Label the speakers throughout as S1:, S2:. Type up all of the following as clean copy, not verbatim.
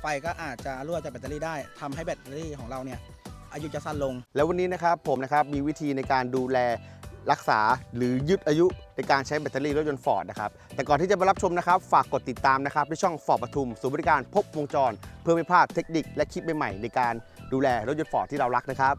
S1: ไฟก็อาจจะรั่วจากแบตเตอรี่ได้ทำให้แบตเตอรี่ของเราเนี่ยอายุจะสั้นลง
S2: แล้ววันนี้นะครับผมนะครับมีวิธีในการดูแลรักษาหรือยืดอายุในการใช้แบตเตอรี่รถยนต์ฟอร์ดนะครับแต่ก่อนที่จะมารับชมนะครับฝากกดติดตามนะครับที่ช่องฟอร์ดปทุมศูนย์บริการครบวงจรเพื่อไม่พลาดเทคนิคและคลิปใหม่ๆในการดูแลรถยนต์ฟอร์ดที่เรารักนะครับ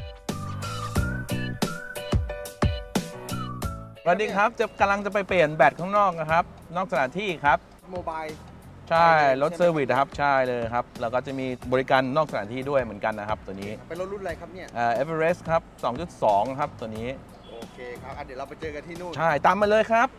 S3: สวัสดีครับกำลังจะไปเปลี่ยนแบตข้างนอกนะครับนอกสถานที่ครับ
S2: โมบาย
S3: ใช่รถเซอร์วิสนะครับใช่เลยครับแล้วก็จะมีบริการนอกสถานที่ด้วยเหมือนกันนะครับตัวนี้
S2: เป็นรถรุ่นอะไรครับเนี่ย
S3: เอเวอเรสต์ครับ 2.2 ครับตัวนี้
S2: โอเคครับเดี๋ยวเราไปเจอกันที่นู่น
S3: ใช่ตามมาเลยครับ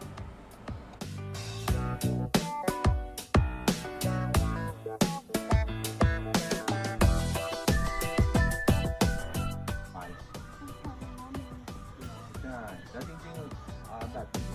S3: ใช่แล้วจริงๆแบบ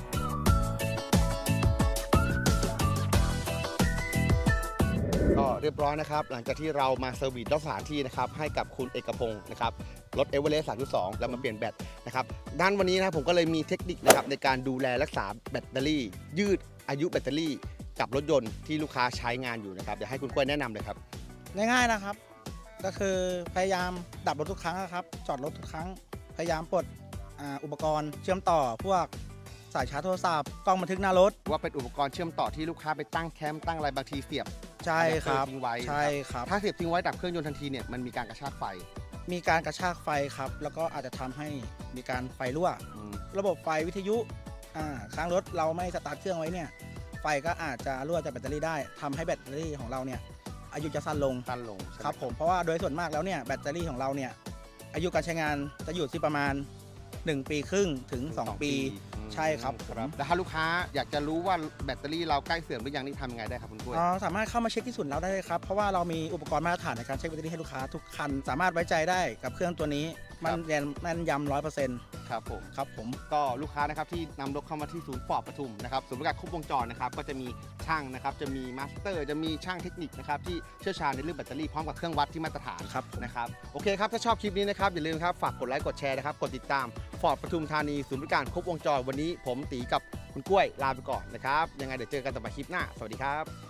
S2: ก็เรียบร้อยนะครับหลังจากที่เรามาเซอร์วิสรอบสถานที่นะครับให้กับคุณเอกพงศ์นะครับรถเอเวอเรสต์ 3.2 แล้วมาเปลี่ยนแบตนะครับด้านวันนี้นะผมก็เลยมีเทคนิคนะครับในการดูแลรักษาแบตเตอรี่ยืดอายุแบตเตอรี่กับรถยนต์ที่ลูกค้าใช้งานอยู่นะครับเดี๋ยวให้คุณกล้วยแนะนำเลยครับ
S1: ง่ายๆนะครับก็คือพยายามดับรถทุกครั้งนะครับจอดรถทุกครั้งพยายามปลดอุปกรณ์เชื่อมต่อพวกสายชาร์จโทรศัพท์กล้องบันทึกหน้ารถ
S2: ว่าเป็นอุปกรณ์เชื่อมต่อที่ลูกค้าไปตั้งแคมป์ตั้งอะไรบางทีเสียบ
S1: ใช่ครับ
S2: ทิ้งไว้
S1: ใช่ครับ
S2: ถ้าเสียบทิ้งไว้ดับเครื่องยนต์ทันทีเนี่ยมันมีการกระชากไฟ
S1: มีการกระชากไฟครับแล้วก็อาจจะทำให้มีการไฟรั่วระบบไฟวิทยุค้างรถเราไม่สตาร์ทเครื่องไว้เนี่ยไฟก็อาจจะรั่วจากแบตเตอรี่ได้ทำให้แบตเตอรี่ของเราเนี่ยอายุจะสั้นลงครับผมเพราะว่าโดยส่วนมากแล้วเนี่ยแบตเตอรี่ของเราเนี่ยอายุการใช้งานจะอยู่ที่ประมาณ1 ปีครึ่งถึง2 ปีใช่ครับ
S2: แล้วถ้าลูกค้าอยากจะรู้ว่าแบตเตอรี่เราใกล้เสื่อมหรือยังนี่ทำยังไงได้ครับคุณกล้วย
S1: สามารถเข้ามาเช็คที่ศูนย์เราได้เลยครับเพราะว่าเรามีอุปกรณ์มาตรฐานในการเช็คแบตเตอรี่ให้ลูกค้าทุกคันสามารถไว้ใจได้กับเครื่องตัวนี้มันแม่นยำ100%
S2: ครับผมก็ลูกค้านะครับที่นำรถเข้ามาที่ศูนย์ฟอร์ดปทุมนะครับศูนย์บริการครบวงจรนะครับก็จะมีช่างนะครับจะมีมาสเตอร์จะมีช่างเทคนิคนะครับที่เชี่ยวชาญในเรื่องแบตเตอรี่พร้อมกับเครื่องวัดที่มาตรฐานนะครับโอเคครับถ้าชอบคลิปนี้นะครับอย่าลืมครับฝากกดไลค์กดแชร์นะครับกดติดตามฟอร์ดปทุมธานีศูนย์บริการครบวงจรวันนี้ผมตีกับคุณกล้วยลาไปก่อนนะครับยังไงเดี๋ยวเจอกันต่อไปคลิปหน้าสวัสดีครับ